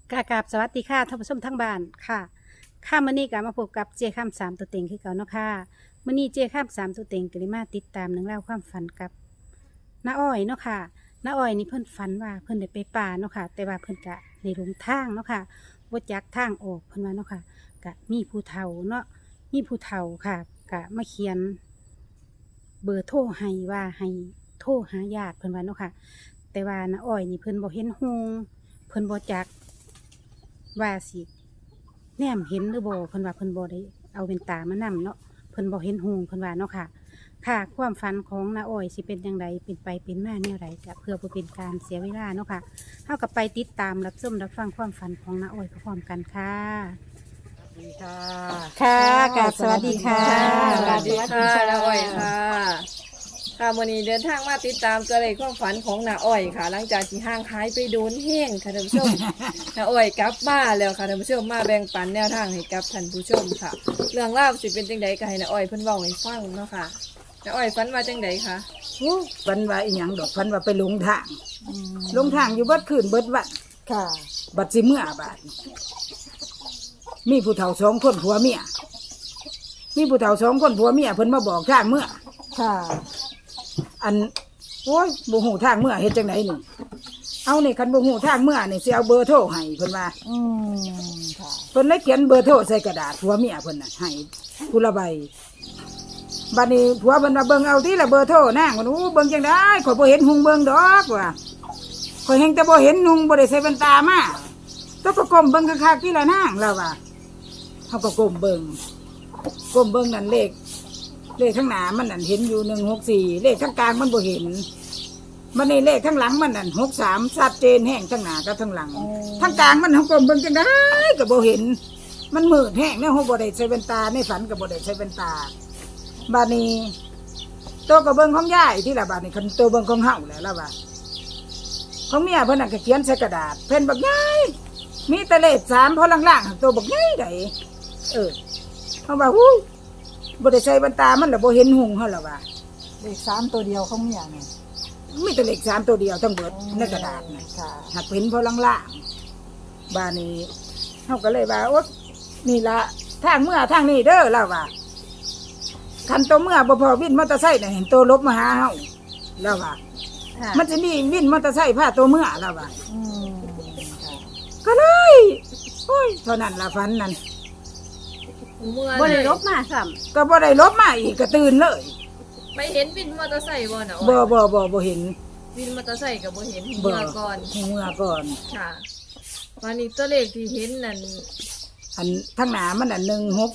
กราบสวัสดีค่ะท่านผู้ชมทั้งบ้านค่ะมื้อนี้ก็มาพบกับเจ้าข้ามสามตัวเต็งคือเก่าเนาะค่ะมื้อนี้เจ้าข้ามสามตัวเต็งก็ได้มาติดตามเรื่องเล่าวความฝันกับน้าอ้อยเนาะค่ะน้าอ้อยนี่เพิ่นฝันว่าเพิ่นได้ไปป่าเนาะค่ะแต่ว่าเพิ่นก็ในหลงทางเนาะค่ะบ่จักทางออกเพิ่นว่าเนาะค่ะก็มีผู้เฒ่าเนาะมีผู้เฒ่าค่ะก็มาเขียนเบอร์โทรให้ว่าให้โทรหาญาติเพิ่นว่าเนาะค่ะแต่ว่าน้าอ้อยนี่เพิ่นบ่เห็นฮงเพิ่นบ่จัก ว่าสิแนมเห็นหรือบ่เพิ่นว่าเพิ่นบ่ได้เอาเป็นตามานำเนาะเพิ่นบ่เห็นหูเพิ่นว่าเนาะค่ะค่ะความฝันของน้าอ้อยสิเป็นจังไดเป็นไปเป็นมาแนวใดก็เพื่อบ่เป็นการเสียเวลาเนาะค่ะเฮาก็ไปติดตามรับชมรับฟังความฝันของน้าอ้อยพร้อมๆกันค่ะดีค่ะค่ะกราบสวัสดีค่ะสวัสดีค่ะน้าอ้อยค่ะค่ะวันนี้เดินทางมาติดตามตัวเลขความฝันของน้าอ้อยค่ะ หลังจากที่ห่างหายไปโดนแห้งค่ะท่านผู้ชม น้าอ้อยกลับมาแล้วค่ะท่านผู้ชมมาแบ่งปันแนวทางให้กับท่านผู้ชมค่ะ เรื่องราวสิเป็นจังใดก็ให้น้าอ้อยเพิ่นเว้าให้ฟังเนาะค่ะน้าอ้อยฝันว่าจังใดคะฝันว่าอีหยังดอกฝันว่าไปหลงทางหลงทางอยู่เบิดคืนเบิดวันค่ะบัดสิเมื่อบาดมีผู้เฒ่าสองคนผัวเมียมีผู้เฒ่าสองคนผัวเมียเพิ่นมาบอกทางเมื่อค่ะอันโอ้ยบ่ฮู้ทางเมื่อเฮ็ดจังไดนี่เอานี่คันบ่ฮู้ทางเมื่อนี่สิเอาเบอร์โทรให้เพิ่นว่าค่ะเพิ่นเลยเขียนเบอร์โทรใส่กระดาษผัวเมียเพิ่นน่ะให้ผู้ละใบบัดนี้ผัวเพิ่นว่าเบิ่งเอาที่ละเบอร์โทรนางว่าโอ้เบิ่งจังได๋ข่อยบ่เห็นหุงเบิ่งดอกว่าข่อยเห็นแต่บ่เห็นหุงบ่ได้ใส่แว่นตามาต้องก็ก้มเบิ่งคักๆที่ละนางแล้วว่าเฮาก็ก้มเบิ่งนั่นเลขข้างหน้ามันนั่นเห็นอยู่164เลขข้างกลางมันบ่เห็นมันนี่เลขข้างหลังมันนั่น63ชัดเจนแห้งข้างหน้ากับข้างหลังข้างกลางมันเฮาก้มเบิ่งจังได๋ก็บ่เห็นมันมืดแห้งเนี่ยเฮาบ่ได้ใส่แว่นตาในฝันก็บ่ได้ใส่แว่นตาบัดนี้ตัวก็เบิ่งของยายที่ละบัดนี้คันตัวเบิ่งของเฮาแล้วล่ะว่าของเมียเพิ่นน่ะก็เขียนใส่กระดาษเพิ่นบักใหญ่มีแต่เลข3พอล่างๆตัวบักใหญ่ได้เฮาว่าฮู้บ่ได้ใส่แว่นตามันล่ะบ่เห็นหุงเฮาล่ะว่าเลข3ตัวเดียวเขามีอย่างไงมีแต่เลข3ตัวเดียวทั้งเบิดในกระดาษน่ะค่ะหักเห็นพอล่างๆบ้านนี้เฮาก็เลยว่าโอ๊ยนี่ล่ะทางเมื่อทางนี้เด้อล่ะว่าคันตัวเมื่อบ่พอวินมอเตอร์ไซค์น่ะเห็นตัวลบมาหาเฮาแล้วว่าค่ะมันจะมีวินมอเตอร์ไซค์พาตัวเมื่อแล้วว่าค่ะก็เลยโอ้ยเท่านั้นล่ะฝันนั่นเมื่อบ่ได้เลยลบมาซ้ำก็บ่ได้ลบมาอีกก็ตื่นเลยไปเห็นวินมอเตอร์ไซค์บ่น้าอ้อยบ่เห็นวินมอเตอร์ไซค์ก็บ่เห็นบ่เมื่อก่อนเมื่อก่อนค่ะวันนี้ตัวเลขที่เห็นนั่นอันทั้งหน้ามันอัน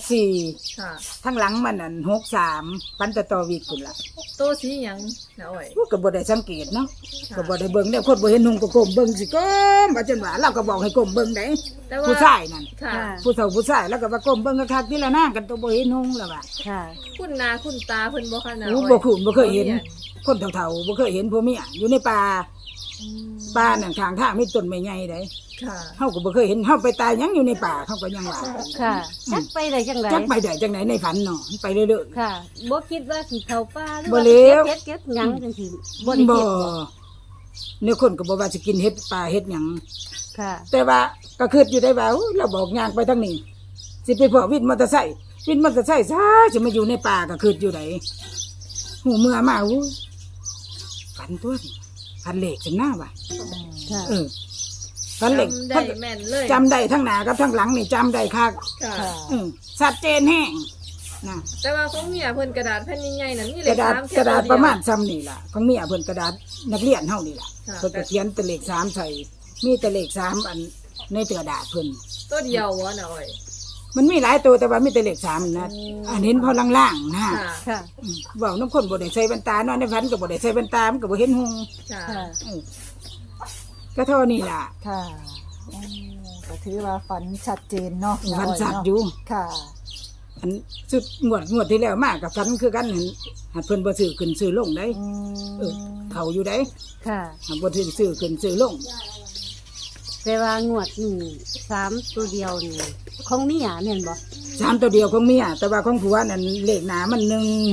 164 ค่ะทั้งหลังมันอัน63ปันต่อวีกุ่นล่ะตัวสีหยังนะอ้อยก็บ่ได้สังเกตเนาะค่ะก็บ่ได้เบิ่งเนี่ยคนบ่เห็นนุ่งก็ก้มเบิ่งสิก้มว่าจนว่าเราก็บอกให้ก้มเบิ่งได้แต่ว่าผู้ชายนั่นค่ะผู้เฒ่าผู้ชายแล้วก็ว่าก้มเบิ่งคักๆที่ละนางกันตัวบ่เห็นนุ่งแล้วว่าค่ะคุณนาคุณตาเพิ่นบ่คะนะโอ้อ้อยบ่คุ้นบ่เคยเห็น คนเฒ่าๆบ่เคยเห็นผัวเมียอยู่ในป่าอืมป่านั่นข้างทางมีต้นไม้ใหญ่เด้ค่ะเฮาก็บ่เคยเห็นเฮาไปตายหยังอยู่ในป่าเฮาก็ยังว่าค่ะจักไปได้จังไดจักไปได้จังไหนในฝันเนาะไปเรื่อยค่ะบ่คิดว่าสิเข้าป่าหรือบ่ว่าเลวเก็บหยังจังซี่บ่ๆได้บ่เก็บบ่เนี่ยคนก็บ่ว่าสิกินเห็ดป่าเห็ดหยังค่ะแต่ว่าก็คิดอยู่ได้ว่าอุ๊ยเราบอกย่างไปทางนี้สิไปพอวินมอเตอร์ไซค์ซะจะมาอยู่ในป่าก็คิดอยู่ไหนหูเมื่อมาอู้ฝันตัวนี่ฝันเหล็กจังหน้าว่ะค่ะฝันเหล็กจำได้แม่นเลยจำได้ทั้งหน้ากับทั้งหลังนี่จำได้คักค่ะค่ะชัดเจนแห้งนะแต่ว่าของเมียเพิ่นกระดาษแผ่นใหญ่ๆนั่นนี่กเลระขดาษ 3แค่กระดาษตัวเยวประมาณซ้ำนี่ล่ะของเมียเพิ่นกระดาษนักเรียนเฮานี่ล่ะค่ะเพิ่นก็เขียนแต่เลข3ใส่มีแต่เลข3อันในกระดาษเพิ่นตัวเดียววะนะอ้อยมันมีหลายตัวแต่ว่ามีแต่เลข3นะอันเห็นพอล่างๆนะค่ะค่ะบอกน้ำคนบ่ได้ใส่แว่นตานอนในฝันก็บ่ได้ใส่แว่นตามันก็บ่เห็นหงค่ะค่ะก็เท่านี้ล่ะค่ะก็ถือว่าฝันชัดเจนเนาะฝันสัตว์เนาะอยู่ค่ะอันสุดงวดที่แล้วมากับฝันคือกันหั่นหัดเพิ่นบ่ซื้อขึ้นซื้อลงได้อืมเออเขาอยู่ได้ค่ะหัดบ่ซื้อขึ้นซื้อลงแต่ว่างวดนี่3ตัวเดียวนี่ของเมียแม่นบ่ 3ตัวเดียวของเมียแต่ว่าของผัวนั่นเลขหน้ามัน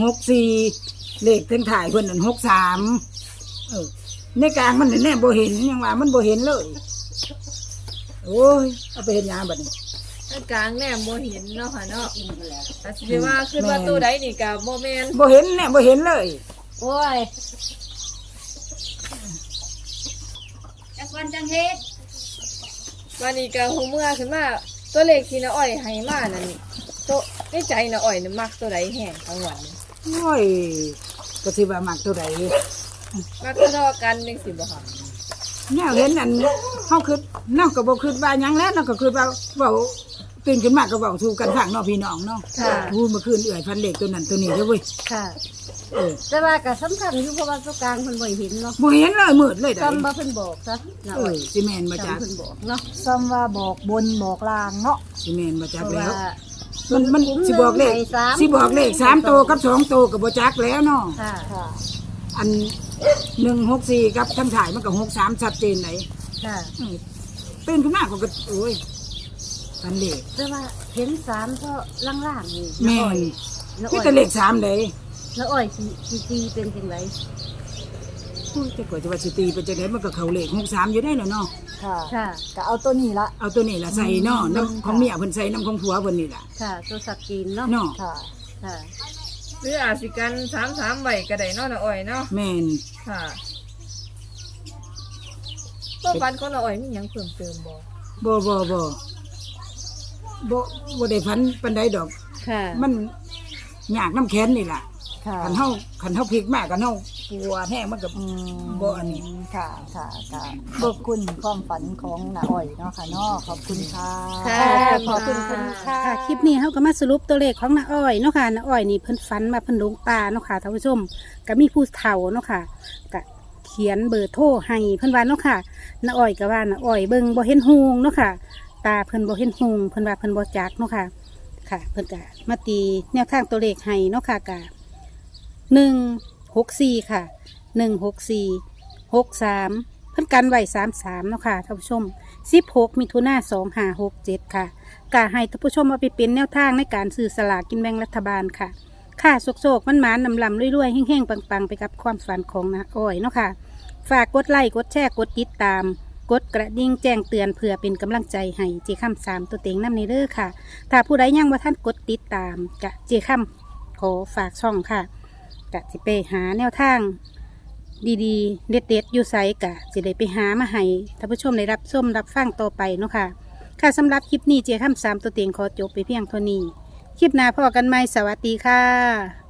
164เลขทั้งถ่ายเพิ่นนั่น63ในกลางมันแน่บ่เห็นยังว่ามันบ่เห็นเลยโอ้ยเอาไปเฮ็ดหยังบัดนี้ถ้ากลางแนมบ่เห็นเนาะค่ะเนาะแต่สิว่าขึ้นว่าตัวใดนี่ก็บ่แม่นบ่เห็นเนี่ยบ่เห็นเลยโอ้ยวันนี้ก็หูเมื่อขึ้นมาตัวเลขที่น้าอ้อยให้มานั่นตัวในใจน้าอ้อยน่ะมักตัวใดแห้งทั้งวันนี้โอ้ยก็สิว่ามักตัวใดมักทอๆกันจังซี่บ่ค่ะแนวเห็นอันเฮาคือเนาะก็บ่คิดว่าหยังแล้วเนาะก็คือว่าเว้าตื่นขึ้นมาก็เว้าสู่กันฟังเนาะพี่น้องเนาะค่ะอู้เมื่อคืนเอื้อยพันเลขตัวนั้นตัวนี้เด้อเว้ยค่ะเออแต่ว่าก็สำคัญอยู่เพราะว่าตัวกลางเพิ่นบ่เห็นเนาะบ่เห็นเลยมืดเลยได้จำบ่เพิ่นบอกซะนะเออ้ออย สิแม่นบ่จ๊ะจำเพิ่นบอกเนาะซ้ำว่าบอกบนบอกลางเนาะสิแม่นบ่จ๊ะเพราะแล้วว่ามันสิบอกเลขให้สามสิบอกเลข3โตวกับ2โตวก็บ่จักแล้วเนาะค่ะค่ะอัน164กับทั้งถ่ายมันก็63ชัดเจนไหนค่ะตื่นขึ้นมาก็โอ้ยพันเลขแต่ว่าเห็นสามก็ล่างๆนี่แม่นน้าคืออ้อยแต่เลข3เด้น้าอ้อยสิตีเป็นจังไดพูดแต่กว่าจะว่าสิตีเป็นจังไดมันก็เข้าเลข63อยู่ได้แล้วเนาะค่ะค่ะก็เอาตัวนี้ละเอาตัวนี้ล่ะใส่เนาะน้ำของเมียเพิ่นใส่น้ำของผัวเพิ่นนี่ล่ะค่ะ ตัวสักกีนเนาะเนาะค่ะค่ะหรืออาจสิกัน33ไว้ก็ได้เนาะน้าอ้อยเนาะแม่นค่ะตัวฟันของน้าอ้อยมีหยังเพิ่มเติมบ่บ่ได้พันปานใดดอกค่ะมันยากน้ำแค้นนี่ล่ะค่ะคันเฮาพลิกมากกันเฮาปวดแห้งมันก็อืมบ่อันนี้ค่ะค่ะค่ะขอบคุณความฝันของน้าอ้อยเนาะค่ะเนาะขอบคุณค่ะค่ะขอบคุณค่ะค่ะคลิปนี้เขาก็มาสรุปตัวเลขของน้าอ้อยเนาะค่ะน้าอ้อยนี่เพิ่นฝันมาเพิ่นหลงป่าเนาะค่ะท่านผู้ชมก็มีผู้เฒ่าเนาะค่ะก็เขียนเบอร์โทรให้เพิ่นว่าเนาะค่ะน้าอ้อยก็ว่าน้าอ้อยเบิ่งบ่เห็นฮูงเนาะค่ะ ตาเพิ่นบ่เห็นฮูงเพิ่นว่าเพิ่นบ่จักเนาะค่ะ ค่ะ เพิ่นก็มาตีแนวทางตัวเลขให้เนาะค่ะก็164ค่ะ164 63เพิ่นกันไว้33เนาะค่ะท่านผู้ชม16มิถุนายน2567ค่ะ กาให้ท่านผู้ชมเอาไปเป็นแนวทางในการซื้อสลากกินแบ่งรัฐบาลค่ะ ค่ะโศกๆมันหมานนำลำรวยๆแห้งๆปังๆไปกับความฝันของน้าอ้อยเนาะค่ะ ฝากกดไลค์กดแชร์กดติดตาม กดกระดิ่งแจ้งเตือนเพื่อเป็นกำลังใจให้เจคำ3ตัวเต็งน้ำในเด้อค่ะ ถ้าผู้ใดยังว่าท่านกดติดตามกะเจคำขอฝากช่องค่ะกะสิไปหาแนวทาง ดีๆ เด็ดๆอยู่ไสกะสิได้ไปหามาให้ท่านผู้ชมได้รับชมรับฟังต่อไปเนาะค่ะ ค่ะสำหรับคลิปนี้เจาข้าม3ตัวเต็งขอจบไปเพียงเท่านี้ คลิปหน้าพอกันไหมสวัสดีค่ะ